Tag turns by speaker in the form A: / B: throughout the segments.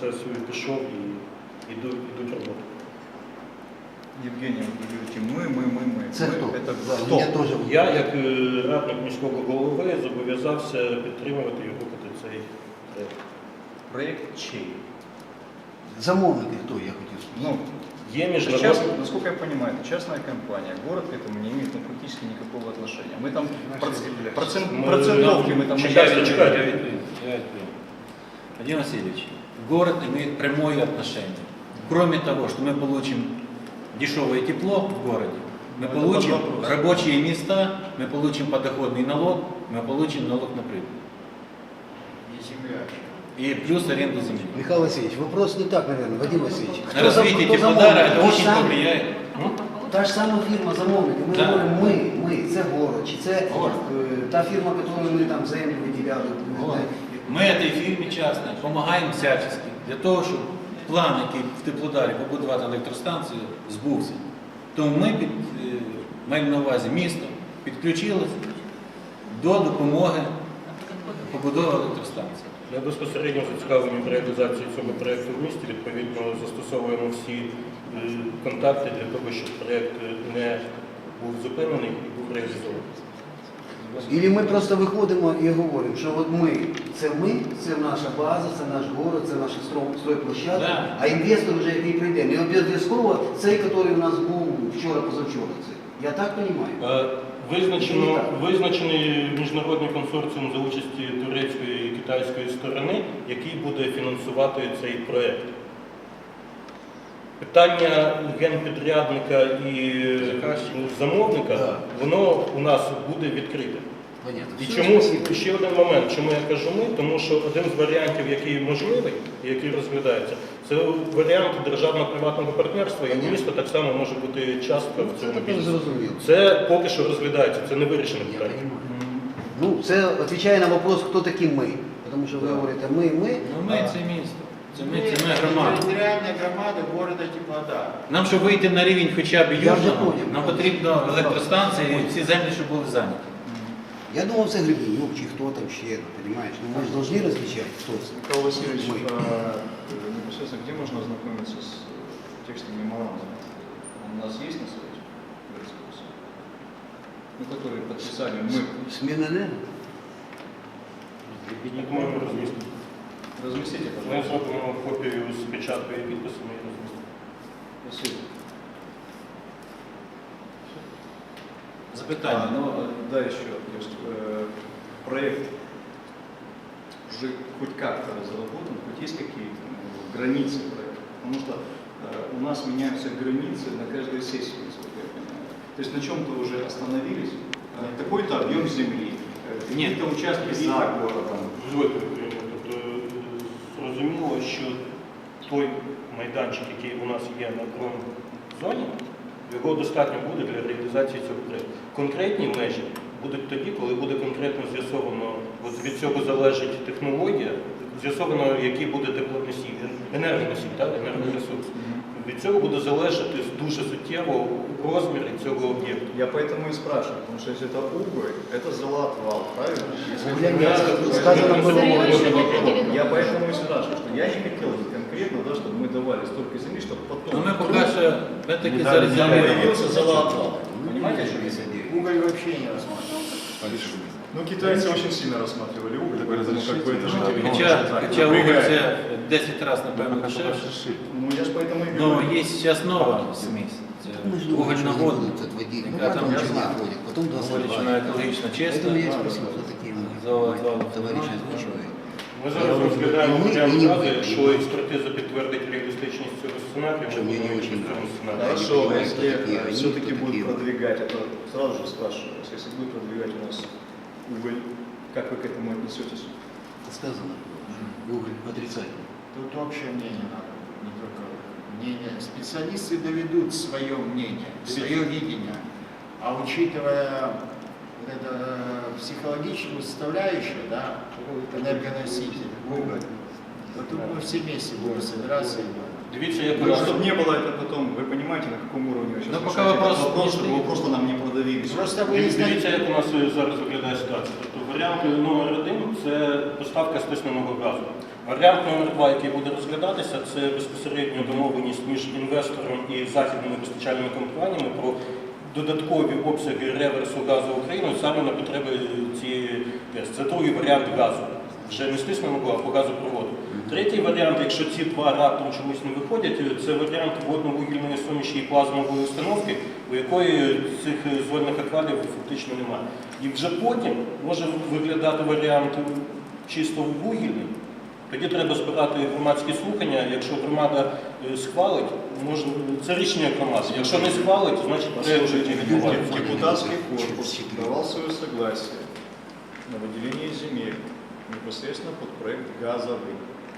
A: процесу пішов і йдуть роботи.
B: Евгений, вы говорите, мы.
C: Це хто?
B: Это
C: Да,
B: кто?
C: я теж.
A: Я, як радник міського голови, зобов'язався підтримувати і рухати цей проєкт.
B: Проект чей?
C: Замовники хто, я хотів сказати.
B: Ну,
A: Є
B: сейчас,
A: міжнародні...
B: насколько я понимаю, это частная компания. Город к этому не имеет практически никакого отношения. Мы там процентовки мы там
A: Чекайте.
D: Владимир Васильевич, город имеет прямое отношение. Кроме того, что мы получим дешевое тепло в городе, мы получим рабочие места, мы получим подоходный налог, мы получим налог на прибыль. И плюс аренду земли.
C: Михаил Васильевич, вопрос не так, наверное, Вадим Васильевич.
D: На развитие Теплодара это очень повлияет.
C: Та ж сама фірма замовники, ми
D: Да.
C: говоримо ми, це город, чи це та фірма, яку ми там землю виділяли.
D: Мы этой фирме частной помогаем всячески для того, щоб план, який в Теплодарі побудувати електростанцію, збувся. Тому ми маємо на увазі місто підключилося до допомоги побудови електростанції.
A: Ми безпосередньо зацікавлені в реалізації цього проєкту в місті, відповідно застосовуємо всі контакти для того, щоб проєкт не був зупинений і був реалізований.
C: Ілі ми просто виходимо і говоримо, що от ми, це наша база, це наш город, це наша стройплощадка,
D: Да.
C: а інвестор вже який прийде. Не обов'язково цей, який у нас був вчора-позавчора. Я так розумію?
A: Визначений міжнародний консорціум за участі турецької і китайської сторони, який буде фінансувати цей проєкт. Питання генпідрядника і замовника, воно у нас буде відкрите. І чому, ще один момент, чому я кажу ми, тому що один з варіантів, який можливий, і який розглядається, це варіант державно-приватного партнерства, і місто так само може бути частка в цьому бізнесі. Це поки що розглядається, це не вирішене питання.
C: Ну, це відповідає на вопрос, хто такі ми. Тому що ви говорите ми.
D: Ну ми це місто, це ми громада.
E: Територіальна громада города Теплодар.
D: Нам, щоб вийти на рівень хоча б
C: Я вже
D: южного,
C: поняв.
D: нам потрібно електростанції і всі землі, щоб були зайняті.
C: Я думав, це Гребенюк, чи хто там ще, понимаешь? Ну, мы же должны различать, кто это.
B: Михаил Васильевич,
C: Мы.
B: непосредственно где можно ознакомиться с текстом меморандума? Он у нас есть на сайте городского суда? Ну, который подписали мы.
C: Смена
A: Я думаю, ми розмістимо.
B: Разместите,
A: Ми
B: пожалуйста.
A: зробимо копію з печаткою і підписами і розмістимо.
B: Спасибо.
D: Запитання.
B: Да, еще. То есть, проект уже хоть как-то разработан, хоть есть какие-то границы проекта. Потому что у нас меняются границы на каждой сессии, насколько я понимаю. То есть на чем-то уже остановились, такой-то объем земли, какие-то участки за городом.
A: Тобто зрозуміло, що той майданчик, який у нас є на промзоні, його достатньо буде для реалізації цього проєкту. Конкретні межі будуть тоді, коли буде конкретно з'ясовано, от від цього залежить технологія, з'ясовано, який буде теплоносій, енергоносій, енергоресурс. Від цього буде залежати дуже суттєво розмір цього об'єкту.
B: Я поэтому и спрашиваю, потому что если это уголь, это золотвал, правильно? Я поэтому и спрашиваю, что я не хотел бы конкретно, да, чтобы мы давали столько земли, чтобы потом...
D: Ну ми поки що таки зарезервуємо.
B: Появился золотвал. Понимаете, о чем я говорю?
E: Уголь вообще не рассматривается.
B: Ну, китайцы очень сильно рассматривали уголь, поэтому как бы это же
D: Хоча уголь це 10 разів, напевно, дешевше.
B: Ну, я ж поэтому и
D: Но
B: говорю.
D: є зараз нова смесь. Це угольна вода, яка там
C: потом
D: говорить, що вона екологічно чиста.
C: Поэтому я и спросил, кто такие мы. Товарищ озвучивает.
A: Ми зараз розглядаємо варіант бази, якщо експертиза підтвердить реалістичність цього сценарію, ми будемо йти в цьому сценарію.
B: Хорошо, если
C: такие,
B: все-таки
C: они
B: будет
C: такие.
B: продвигать, это сразу же спрашиваю, если будет продвигать у нас уголь, как вы к этому отнесетесь?
C: Сказано. Уголь отрицательный.
E: Тут общее мнение надо, не только мнение. Специалисты доведут свое мнение, свое видение. А учитывая вот это психологическую составляющую, да, энергоноситель, уголь, то тут мы все вместе будем собираться и
A: Дивіться, як
B: Ну,
A: раз
B: чтобы не было это потом, вы понимаете, на каком уровне вы сейчас
D: Ну, пока
B: решаете
D: вопрос
B: этот вопрос,
D: не
B: чтобы его
D: стоит.
B: просто нам не продавили.
E: Просто
A: Дивіться,
E: выяснить.
A: як у нас зараз виглядає ситуація. Тобто варіант номер один – це поставка стисненого газу. Варіант номер 2, який буде розглядатися, це безпосередньо домовленість між інвестором і західними постачальними компаніями про додаткові обсяги реверсу газу Україною саме на потреби цієї ТЕС. Це другий варіант газу. Вже не стиснемо, а по газопроводу. Третій варіант, якщо ці два раптом чомусь не виходять, це варіант водно-вугільної суміші і плазмової установки, у якої цих зольних аквалів фактично немає. І вже потім може виглядати варіант чисто вугільний. Тоді треба збирати громадські слухання. Якщо громада схвалить, може, це рішення громади. Якщо не схвалить, значить
B: Послушайте,
A: відбувається.
B: депутатский корпус давал свое согласие на выделение земель непосредственно под проект газовый.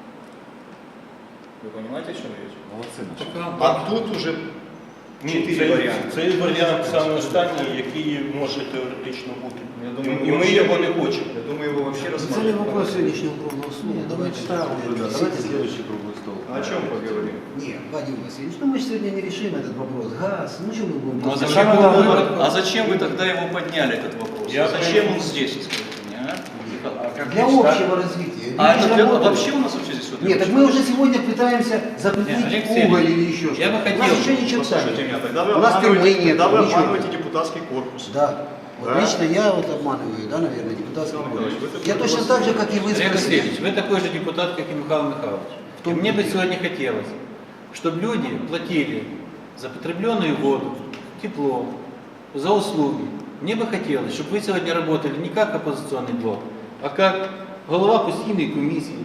B: Вы понимаете, о чем речь?
F: Молодцы наши.
B: А тут уже
A: Ні,
B: 4 варіанти.
A: Цей варіант саме останній, який може теоретично бути.
B: Я думаю,
A: І ми його не хочемо.
B: Я думаю, его вообще
C: Це не
B: рассматривать.
C: вопрос сегодняшнего круглого стола. Давайте ставим.
F: Давайте следующий круглый стол.
B: А о чем поговорим?
C: Нет, Вадим Васильевич, ну мы же сегодня не решим этот вопрос. Газ, ну что мы будем...
F: Ну, а
C: просто-
F: зачем
D: Какой
F: тогда-
D: выбор?
F: а зачем вы тогда его подняли, этот вопрос?
A: Я
F: Зачем
A: понимаю.
F: он здесь, скажите мне, а?
C: Для общего развития.
F: А
C: Люди
F: это
C: же
F: для-
C: работают.
F: вообще у нас вообще здесь вот...
C: Нет, так мы уже сегодня пытаемся
D: Нет,
C: запретить
D: Алексей
C: уголь
D: Ильич,
C: или еще
D: я
C: что-то.
D: бы
C: У
D: хотел-
C: нас еще ничего
B: Послушайте
C: нет.
B: меня, тогда вы
C: У нас тюрьмы
B: обманываете,
C: нет,
B: тогда вы
C: ничего
B: обманываете
C: нет.
B: депутатский корпус.
C: Да. Вот
B: Да?
C: лично я вот обманываю, да, наверное, депутатский
B: Александр
C: корпус.
B: Николаевич, вы
C: Я
B: такой
C: точно
B: голос
C: так же, как и вы
D: Олег
C: спросили.
D: Васильевич, вы такой же депутат, как и Михаил Михайлович. И мне бы сегодня хотелось, чтобы люди платили за потребленную воду, тепло, за услуги. Мне бы хотелось, чтобы вы сегодня работали не как оппозиционный блок, а как голова постійної комісії,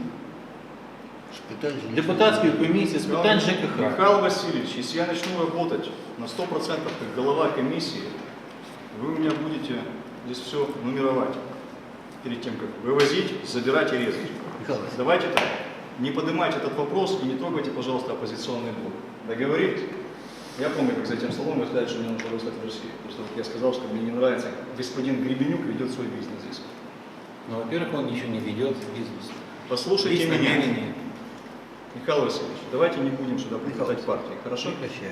D: депутатської комісії з питань ЖКХ.
B: Михаил Васильевич, если я начну работать на 100% как голова комиссии, вы у меня будете здесь все нумеровать перед тем, как вывозить, забирать и резать.
C: Михаил Васильевич,
B: Давайте так, не поднимайте этот вопрос и не трогайте, пожалуйста, оппозиционный блок. Договорились? Я помню, как за этим столом вы сказали, что мне нужно выслать в Россию. Просто вот я сказал, что мне не нравится, как господин Гребенюк ведет свой бизнес здесь.
D: Ну, во-первых, он еще не ведет бизнес.
B: Послушайте
D: Есть
B: меня.
D: намерение.
B: Михаил Васильевич, давайте не будем сюда приплетать партии, хорошо?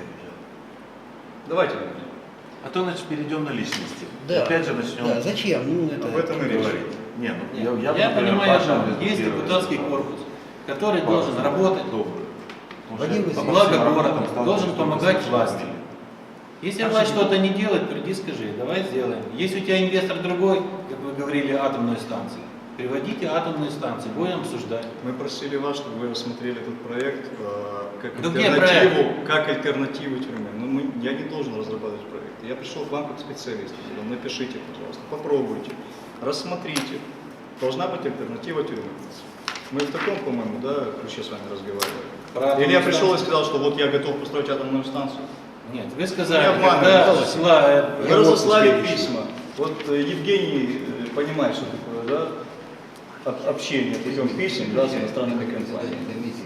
B: Давайте не будем.
F: А то, значит, перейдем на личности.
C: Да.
F: Опять же начнем
C: Да, зачем? Ну, это...
B: Об этом и речь.
F: говорить. Не, ну,
D: Нет,
F: я,
D: я
F: например,
D: понимаю,
F: Паша
D: что
F: результирует.
D: есть депутатский корпус, который должен
F: Паша,
D: работать
F: добрый. Потому
C: Вадим
F: что
C: Васильевич,
D: во благо
F: по всем
D: города,
F: работам стало
D: должен
F: что-то
D: помогать
F: с
D: власти.
F: вами.
D: Если власть что-то не делает, приди скажи, давай сделаем. Если у тебя инвестор другой, как вы говорили, атомную станцию, приводите атомную станцию, будем обсуждать.
B: Мы просили вас, чтобы вы рассмотрели этот проект как,
D: Ну, где
B: как альтернативу тюрьме. Но я не должен разрабатывать проект. Я пришел к вам как специалист. Говорю, напишите, пожалуйста, попробуйте, рассмотрите. Должна быть альтернатива тюрьме. Мы в таком, по-моему, да, ключе с вами разговаривали.
D: Про атомную
B: Или я пришел и
D: станцию.
B: сказал, что вот я готов построить атомную станцию.
D: Нет, вы сказали,
B: Не обманывайте,
D: когда
B: пожалуйста.
D: шла...
B: Вы разослали письма. Вот Евгений понимает, что такое, да, общение путем писем, да, с иностранными компаниями.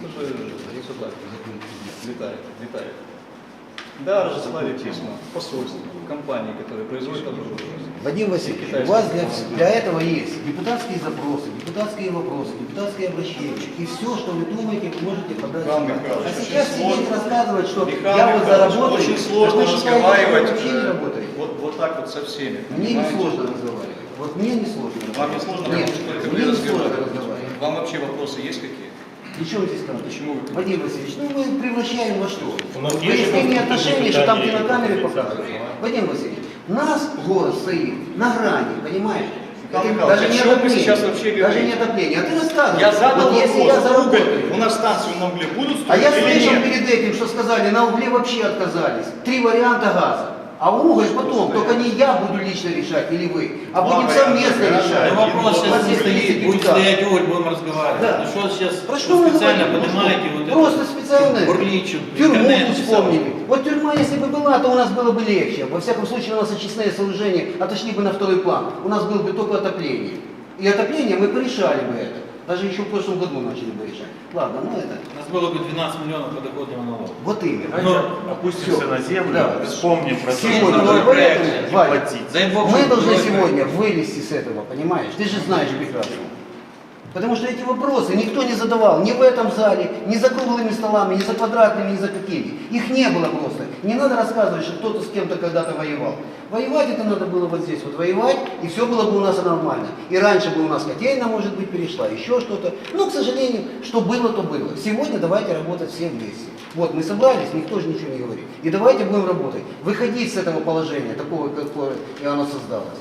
B: Летает. Да, разослали письма посольству, компании, которые производят оборудование.
C: Вадим Васильевич, у вас для этого есть депутатские запросы, депутатские вопросы, депутатские обращения. И все, что вы думаете, вы можете подать.
B: Михаил
C: сюда.
B: Михайлович,
C: А
B: очень
C: сейчас
B: сложно.
C: сидеть рассказывать, что
B: Михаил
C: я вот
B: Михайлович,
C: заработаю.
B: очень сложно
C: Так вы считаете, что вы
B: разговаривать
C: вообще не работаете?
B: вот так вот со всеми.
C: Мне не
B: понимаете?
C: сложно разговаривать. Вот мне не сложно.
B: Вам не сложно?
C: Нет,
B: Потому что только
C: мне
B: вы
C: не сложно
B: разговариваете.
C: разговаривать.
B: Вам вообще вопросы есть какие?
C: Ничего здесь сказать.
B: Почему вы?
C: Вадим Васильевич, ну мы превращаем во что?
A: У нас есть
C: Выяснение
A: же
C: отношений, что там
A: питание,
C: кинокамеры
A: которые
C: показывают.
A: нельзя.
C: Вадим Васильевич, нас город стоит на грани, понимаешь?
B: Михаил
C: Это
B: Михайлович,
C: даже
B: о
C: не
B: чем вы
C: отопление.
B: сейчас вообще
C: Даже
B: говорите?
C: не отопление. А ты рассказывай.
B: Я задал
C: вот если
B: вопрос,
C: я заработаю.
B: у нас станцию на угле будут
C: А
B: строить
C: я
B: или
C: слышал
B: нет?
C: перед этим, что сказали, на угле вообще отказались. 3 варианта газа. А уголь потом, только не я буду лично решать или вы, а будем
B: варианта
C: совместно
B: газа.
C: решать.
D: Ну, вопрос
C: У
D: сейчас
C: вас
D: не
C: есть
D: стоит, будет
C: депутаты.
D: стоять уголь, будем разговаривать.
C: Да.
D: Ну что сейчас
C: Про что вы
D: специально
C: говорите?
D: поднимаете вот
C: Просто
D: это?
C: специально
D: Бурличу,
C: тюрьму
D: интернет
C: тут
D: писал.
C: вспомнили. Вот тюрьма, если бы была, то у нас было бы легче. Во всяком случае, у нас очистные сооружения отошли бы на второй план. У нас было бы только отопление. И отопление мы порешали бы это. Даже еще в прошлом году начали бы решать. Ладно, ну это.
D: У нас было бы 12 миллионов подоходного налога.
C: Вот именно.
F: Давайте опустимся
C: всё.
F: на землю,
C: Да.
F: вспомним про то, что
C: Сегодня,
F: надо
C: вот поэтому,
F: не
C: Валя,
F: платить.
D: Дай Бог,
C: мы
D: чтобы
C: должны
D: было
C: сегодня вылезти с этого, понимаешь? Ты же знаешь прекрасно. Потому что эти вопросы никто не задавал ни в этом зале, ни за круглыми столами, ни за квадратными, ни за какими. Их не было просто. Не надо рассказывать, что кто-то с кем-то когда-то воевал. Воевать это надо было вот здесь, вот воевать, и все было бы у нас нормально. И раньше бы у нас котельная, может быть, перешла, еще что-то. Но, к сожалению, что было, то было. Сегодня давайте работать все вместе. Вот, мы собрались, никто же ничего не говорит. И давайте будем работать. Выходить с этого положения, такого, какое и оно создалось.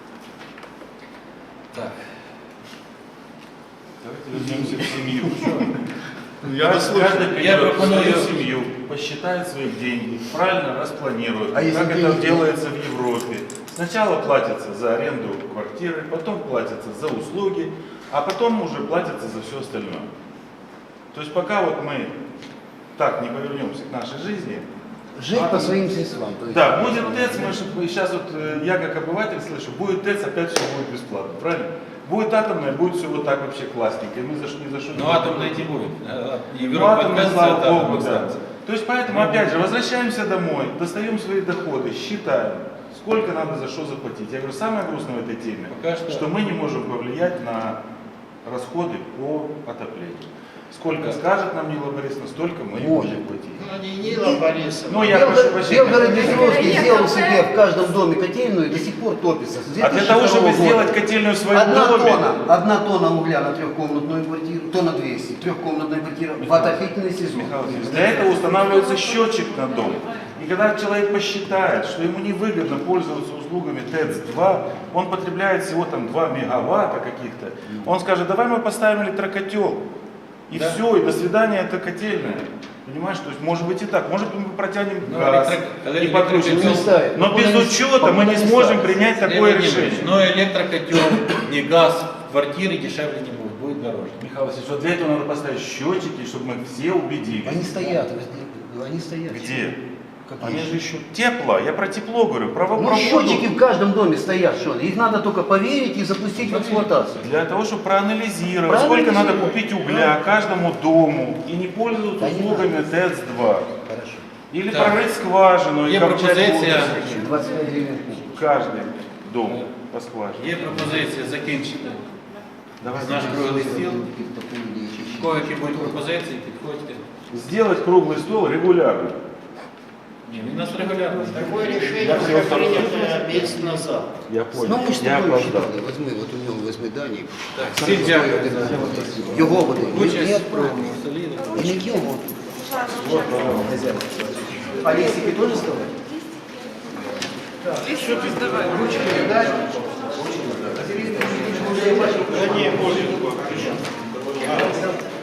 D: Так.
F: Давайте вернемся в семью.
E: Я
D: Я
F: берет
D: пропоную-
F: свою семью, посчитает свои деньги, правильно распланирует,
C: А если
F: как это
C: денег
F: делается в Европе. Сначала платится за аренду квартиры, потом платится за услуги, а потом уже платится за все остальное. То есть пока вот мы так не повернемся к нашей жизни,
C: Жить по своим средствам. То есть,
F: да, будет ТЭЦ, мы сейчас вот, я как обыватель слышу, будет ТЭЦ, опять все будет бесплатно, правильно? Будет атомная, будет все вот так вообще классненько, и мы ни за что не
D: Но атомной не будет.
F: Ну,
D: Европа
F: атомная,
D: отказывается
F: слава
D: от
F: богу,
D: атомных
F: да.
D: станций.
F: То есть поэтому, опять же, возвращаемся домой, достаем свои доходы, считаем, сколько надо за что заплатить. Я говорю, самое грустное в этой теме,
D: Пока что-
F: мы не можем повлиять на расходы по отоплению. Сколько скажет нам Нила Борисовна, столько мы и
C: Можем.
F: будем платить.
E: Ну, не Нила Борисовна.
F: Ну, я прошу прощения.
C: Белгород-Днестровский сделал себе в каждом доме котельную и до сих пор топится. С
F: А для того,
C: 2002
F: чтобы
C: года.
F: сделать котельную в своем
C: Одна
F: доме,
C: тонна угля на трехкомнатную квартиру, тонна 200, трехкомнатная квартира в отопительный сезон.
F: Михаил Васильевич, для этого устанавливается счетчик на дом. И когда человек посчитает, что ему невыгодно пользоваться услугами ТЭЦ-2, он потребляет всего там 2 мегаватта каких-то, он скажет, давай мы поставим электрокотел. И
D: Да.
F: все, и до свидания, это котельная. Понимаешь, то есть может быть и так, может быть мы протянем
D: Ну,
F: газ и подключим.
C: Не ставит.
F: Но без
C: Покуда не-
F: учета мы
C: покуда
F: не
C: не
F: сможем
C: ставит.
F: принять такое
D: Леонид Владимирович,
F: решение.
D: но электрокотел, не газ, квартиры дешевле не будет, будет дороже.
F: Михаил Васильевич, вот для этого надо поставить счетчики, чтобы мы все убедились.
C: Они стоят, они стоят.
F: Где?
C: Какие?
F: Они же еще тепло. Я про тепло говорю, про
C: Ну,
F: воду.
C: счетчики в каждом доме стоят, что ли. Их надо только поверить и запустить в эксплуатацию.
F: Для того, чтобы проанализировать,
C: Проанализировать.
F: сколько надо купить угля каждому дому и не пользоваться
C: Да не
F: услугами
C: надо.
F: ТЭЦ-2.
C: Хорошо.
F: Или
D: Так.
F: прорыть скважину и
D: Є
F: копчать
D: пропозиція.
F: воду.
C: 25 гривен.
F: Каждый дом по скважине.
D: Є пропозиція закінчити
F: Давайте
D: наш круглий стіл. В кого які будуть пропозиції, підходьте.
F: сделать круглый стол регулярно.
D: Ні, він у нас регулярно.
E: Такое решение уже принято месяц назад.
F: Я
C: Ну,
F: понял.
C: ми ж
F: Я
C: тобою
F: опоздал.
C: считали. Возьми, от у нього возьми дані.
D: Так, всім дякую.
C: Його буде.
D: Участь
C: Ні,
D: в столі.
C: не його. А листики тоже вставать?
G: Еще без давай.
C: Ручки дать? Да не, можно.